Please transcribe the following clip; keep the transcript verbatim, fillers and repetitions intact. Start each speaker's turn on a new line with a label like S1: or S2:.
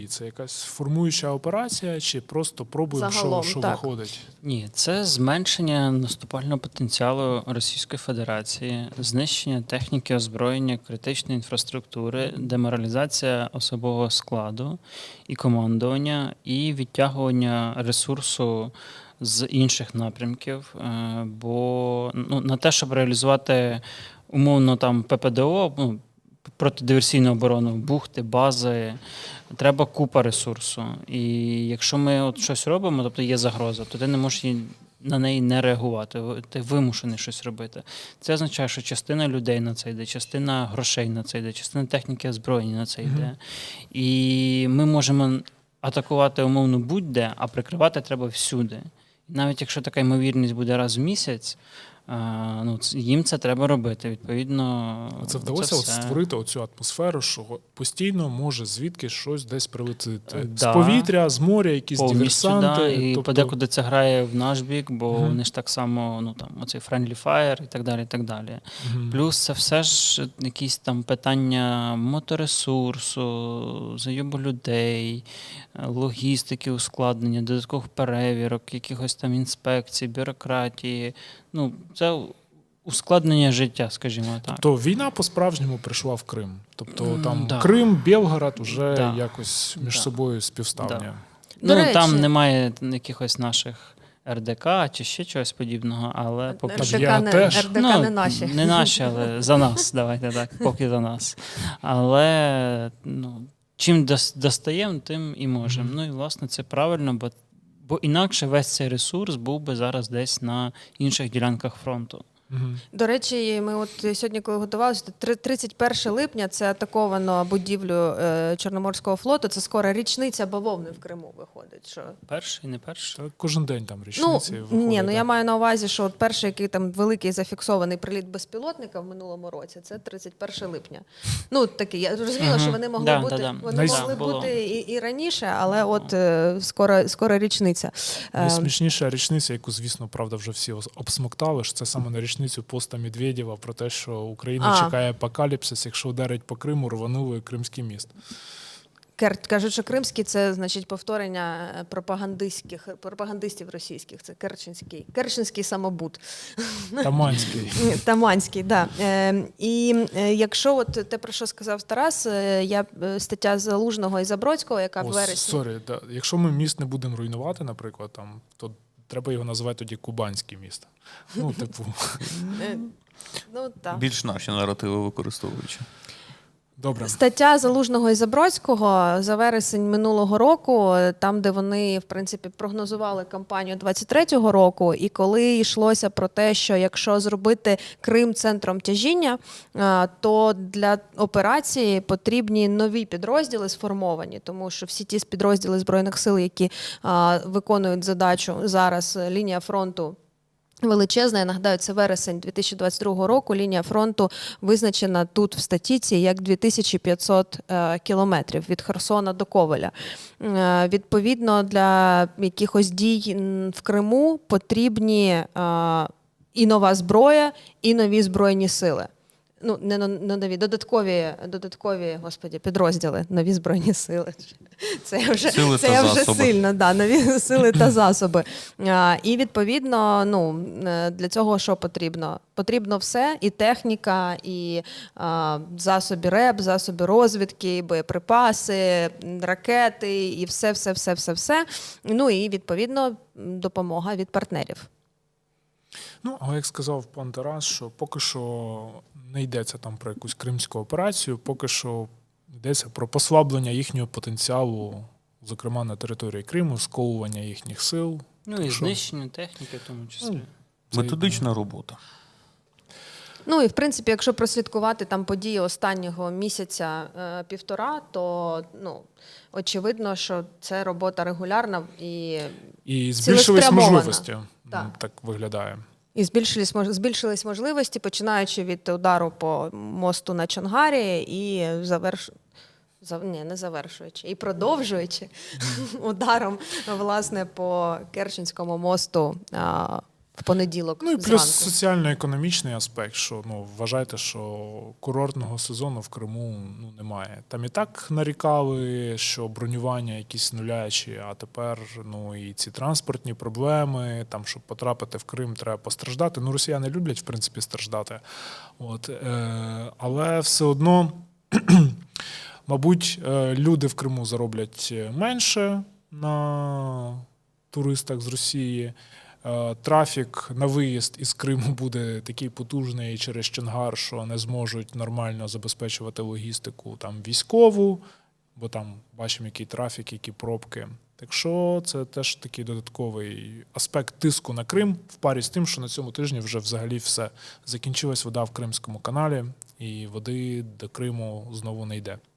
S1: І це якась формуюча операція, чи просто пробуємо,
S2: Загалом,
S1: що, що
S2: так.
S1: виходить?
S3: Ні, це зменшення наступального потенціалу Російської Федерації, знищення техніки озброєння, критичної інфраструктури, деморалізація особового складу і командування, і відтягування ресурсу з інших напрямків. Е, Бо ну, на те, щоб реалізувати умовно там ППДО, ну, протидиверсійну оборону, бухти, бази, треба купа ресурсу. І якщо ми от щось робимо, тобто є загроза, то ти не можеш її, на неї не реагувати, ти вимушений щось робити. Це означає, що частина людей на це йде, частина грошей на це йде, частина техніки озброєння на це йде. Mm-hmm. І ми можемо атакувати умовно будь-де, а прикривати треба всюди. Навіть якщо така ймовірність буде раз в місяць, а, ну, їм це треба робити. Відповідно,
S1: це вдалося
S3: це
S1: от
S3: все.
S1: створити оцю атмосферу, що постійно може звідки щось десь прилетити.
S3: Да.
S1: З повітря, з моря, якісь
S3: Повністю,
S1: диверсанти.
S3: да, і
S1: тобто...
S3: подекуди це грає в наш бік, бо
S1: Мгм.
S3: вони ж так само, ну там, оцей friendly fire і так далі, і так далі.
S1: Мгм.
S3: Плюс це все ж якісь там питання моторесурсу, зайобу людей, логістики, ускладнення, додаткових перевірок, якихось там інспекцій, бюрократії. Ну, це ускладнення життя, скажімо так.
S1: То війна по-справжньому прийшла в Крим. Тобто
S3: М,
S1: там
S3: да.
S1: Крим, Белгород вже
S3: Да.
S1: якось між
S3: Да.
S1: собою співставні.
S3: Да.
S2: До
S3: Ну,
S2: речі-
S3: там немає якихось наших ер де ка чи ще чогось подібного, але поки
S1: Там
S3: що...
S1: я
S2: РДК не,
S1: теж.
S2: РДК
S3: Ну,
S2: не наші.
S3: Не наші, але за нас, давайте так, поки за нас. Але ну, чим дос- достаємо, тим і можемо.
S1: Мгм.
S3: Ну і власне це правильно, бо, бо інакше весь цей ресурс був би зараз десь на інших ділянках фронту.
S1: Мгм.
S2: До речі, ми от сьогодні, коли готувалися, то три- тридцять перше липня це атаковано будівлю е, Чорноморського флоту. Це скоро річниця бавовни в Криму виходить. Що...
S3: Перший, не перший.
S1: Та кожен день там
S2: Ну,
S1: річниці виходить.
S2: ні, ну
S1: да.
S2: я маю на увазі, що от перший, який там великий зафіксований приліт безпілотника в минулому році, це тридцять перше липня. Ну, такий, я зрозуміла,
S3: Мгм.
S2: що вони могли
S3: Да,
S2: бути,
S3: да, да.
S2: вони
S1: Найс-
S2: могли
S3: Було.
S2: бути і, і раніше, але от е, скоро, скоро річниця. Е,
S1: Найсмішніша річниця, яку, звісно, правда, вже всі ос- обсмоктали, що це саме на річницю поста Медведєва про те, що Україна
S2: А.
S1: чекає апокаліпсис, якщо ударить по Криму, рванули Кримський міст.
S2: Кер- Кажуть, що кримський це значить повторення пропагандистських пропагандистів російських. Це Керченський, Керченський самобут.
S1: Таманський.
S2: Ні, Таманський, да. Е, і е, якщо от те, про що сказав Тарас, е, я е, стаття Залужного і Забродського, яка в
S1: О,
S2: вересні.
S1: сорі, да. Якщо ми міст не будемо руйнувати, наприклад, там, то треба його називати тоді Кубанський міст. Ну, типу,
S2: Е, ну, так.
S4: Більш наші наративи використовуючи.
S1: добре.
S2: Стаття Залужного і Забродського за вересень минулого року, там, де вони, в принципі, прогнозували кампанію двадцять третього року, і коли йшлося про те, що якщо зробити Крим центром тяжіння, а, то для операції потрібні нові підрозділи сформовані, тому що всі ті підрозділи Збройних сил, які а, виконують задачу зараз, лінія фронту величезна. Я нагадаю, це вересень дві тисячі двадцять другого року. Лінія фронту визначена тут в статіці як дві тисячі п'ятсот е, кілометрів від Херсона до Ковеля. Е, відповідно, для якихось дій м, в Криму потрібні е, і нова зброя, і нові збройні сили. Ну, не но- не нові, додаткові, додаткові, господі, підрозділи, нові збройні сили. Це я вже,
S4: Сили
S2: це
S4: та
S2: я вже
S4: засоби.
S2: сильно, да, нові сили та засоби. А, і відповідно, ну, е, для цього що потрібно? Потрібно все, і техніка, і а, засоби РЕБ, засоби розвідки, боєприпаси, ракети, і все, все, все, все, все. Ну і відповідно допомога від партнерів.
S1: Ну, але як сказав пан Тарас, що поки що не йдеться там про якусь кримську операцію, поки що йдеться про послаблення їхнього потенціалу, зокрема на території Криму, сковування їхніх сил.
S3: Ну
S1: Так
S3: і
S1: що-
S3: знищення техніки в тому числі.
S1: Це-
S4: Методична робота.
S2: Ну і в принципі, якщо прослідкувати там події останнього місяця е, півтора, то ну очевидно, що це робота регулярна і,
S1: І збільшились
S2: Цілеспрямована.
S1: можливості,
S2: Так.
S1: м, так виглядає.
S2: і збільшились мож- збільшились можливості, починаючи від удару по мосту на Чонгарі і заверш... За, ні, не завершуючи, і продовжуючи ударом власне по Керченському мосту а, в понеділок
S1: Ну і плюс
S2: зранку.
S1: соціально-економічний аспект, що ну вважайте, що курортного сезону в Криму ну немає. Там і так нарікали, що бронювання якісь нулячі, а тепер ну і ці транспортні проблеми, там щоб потрапити в Крим, треба постраждати. Ну, росіяни люблять в принципі страждати. От, е, але все одно, мабуть, е, люди в Криму зароблять менше на туристах з Росії. Е, Трафік на виїзд із Криму буде такий потужний через Чонгар, що не зможуть нормально забезпечувати логістику там військову, бо там бачимо, який трафік, які пробки. Так що це теж такий додатковий аспект тиску на Крим в парі з тим, що на цьому тижні вже взагалі все. Закінчилась вода в Кримському каналі, і води до Криму знову не йде.